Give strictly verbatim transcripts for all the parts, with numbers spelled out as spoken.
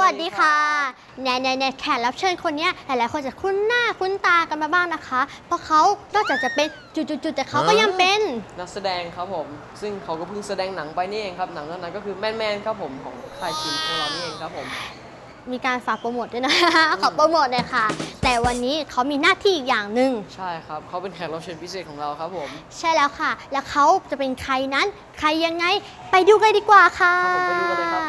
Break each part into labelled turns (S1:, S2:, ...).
S1: วัสดีค่ะแน่แน่แน่แขกรับเชิญคนนี้หลายๆคนจะคุ้นหน้าคุ้นตากันมาบ้างนะคะ เพราะเขานอกจากจะเป็นจุดๆแต่เขาก็ยังเป็น
S2: นักแสดงครับผมซึ่งเขาก็เพิ่งแสดงหนังไปนี่เองครับหนังเรื่องนั้นก็คือแมนแมนครับผมของค่ายคิมของเรานี่เองครับผม
S1: มีการฝากโปรโมทด้วยนะ ขอโปรโมทเลยค่ะแต่วันนี้เขามีหน้าที่อีกอย่างหนึ่ง
S2: ใช่ครับเขาเป็นแขกรับเชิญพิเศษของเราครับผม
S1: ใช่แล้วค่ะแล้วเขาจะเป็นใครนั้นใครยังไงไปดูกันดีกว่าค่ะ
S2: ครับผมไปดูกันเลยครับ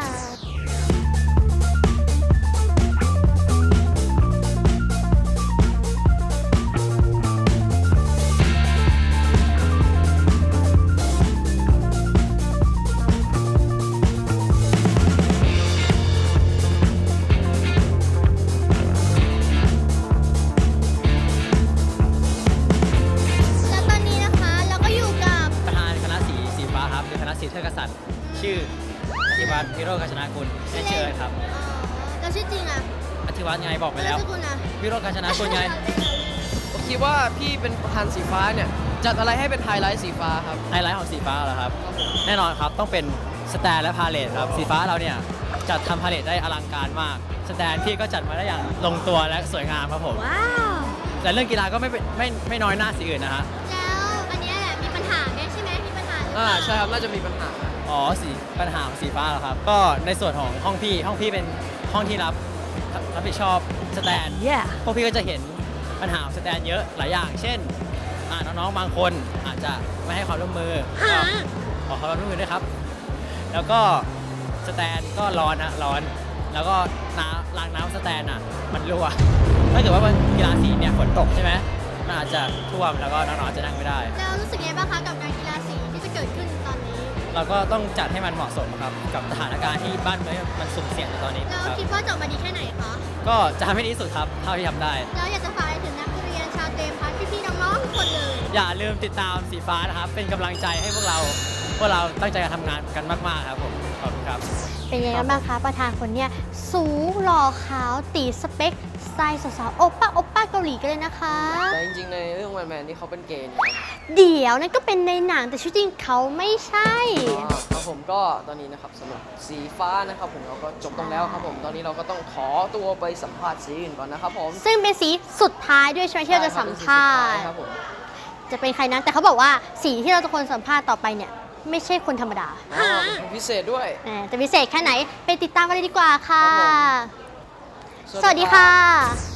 S3: ศรีเทพกษัตริย์ชื่ออธิวัฒน์วิโรจน์กาญจนากุลเล่นชื่ออะไรครับ
S1: แล้วชื่อจริงอ่ะ
S3: อธิวัฒน์ไงบอกไปแล้ววิโรจน์กาญจนากุลไง
S2: ผมคิดว่าพี่เป็นประธานสีฟ้าเนี่ยจัดอะไรให้เป็นไฮไลท์สีฟ้าครับ
S3: ไฮไลท์ของสีฟ้าเหรอครับแน่นอนครับต้องเป็นสแตนและพาเลทครับสีฟ้าเราเนี่ยจัดทำพาเลทได้อลังการมากสแตนพี่ก็จัดมาได้อย่างลงตัวและสวยงามครับผม
S1: ว้าว
S3: แต่เรื่องกีฬาก็ไม่ไม่ไม่น้อยหน้าสีอื่นนะฮะ
S1: แล้วอันนี้แหละมีปัญหาได้ใช่ไหมมีปัญหา
S2: อ่าใช่ครับน่าจะมีปัญหา
S3: อ๋อสีปัญหาของสีฟ้าเหรอครับก็ในส่วนของห้องพี่ห้องพี่เป็นห้องที่รับรับผิดชอบสแตน
S1: yeah.
S3: พวกพี่ก็จะเห็นปัญหาของสแตนเยอะหลายอย่างเช่นน้องๆบางคนอาจจะไม่ให้ความร่วมมือขอความร่วมมือด้วยครับแล้วก็สแตนก็ร้อนนะร้อนแล้วก็น้ำรางน้ำสแตนอ่ะมันรั่วถ้าเกิดว่ามันกีฬาสีเนี่ยฝนตกใช่ไหมมันอาจจะท่วมแล้วก็น้องๆจะนั่งไม่ได้
S1: แล้วรู้สึกยังไงบ้างคะกับการกีฬาสีที่จะเกิดขึ้นตอนนี้
S3: เราก็ต้องจัดให้มันเหมาะสมครับกับสถานการณ์ที่บ้านเมืองมันสุ่มเสี่ยงในตอนนี้
S1: แล้วคิดว่าจะออกมาดีแค่ไหนคะ
S3: ก็จะทำให้ดีที่สุดครับเท่าที่ทำได้
S1: แล้วอยากจะฝากอะไรถึงนักเรียนชาวเตมพัฒน์พี่ๆน้องๆทุกคนเลย
S3: อย่าลืมติดตามสีฟ้านะครับเป็นกำลังใจให้พวกเราพวกเราตั้งใจการทำงานกันมากๆครับผมขอบคุณครับ
S1: เป็นยังไงบ้างคะประธานคนเนี้ยสูงหล่อขาวตีสเปคสไตล์สาวๆโอป้าโอป้าเกาหลีกันเลยนะคะ
S2: แต่จริงๆในเรื่องแมนแมนนี่เขาเป็นเกย์
S1: เดี๋ยวนั่นก็เป็นในหนังแต่ชีวิตจริงเขาไม่ใช่
S2: ครับผมก็ตอนนี้นะครับสำหรับสีฟ้านะครับผมเราก็จบตรงแล้วครับผมตอนนี้เราก็ต้องขอตัวไปสัมภาษณ์สีอื่นก่อนนะครับผม
S1: ซึ่งเป็นสีสุดท้ายด้วยใช่ไหมที่เราจะสัมภาษณ์จะเป็นใครนั้นแต่เขาบอกว่าสีที่เราจะคนสัมภาษณ์ต่อไปเนี่ยไม่ใช่คนธรรมดา
S2: เป็นพิเศษด้วย
S1: แต่พิเศษแค่ไหนไปติดตามกันเลยดีกว่าค่ะสวัสดีค่ะ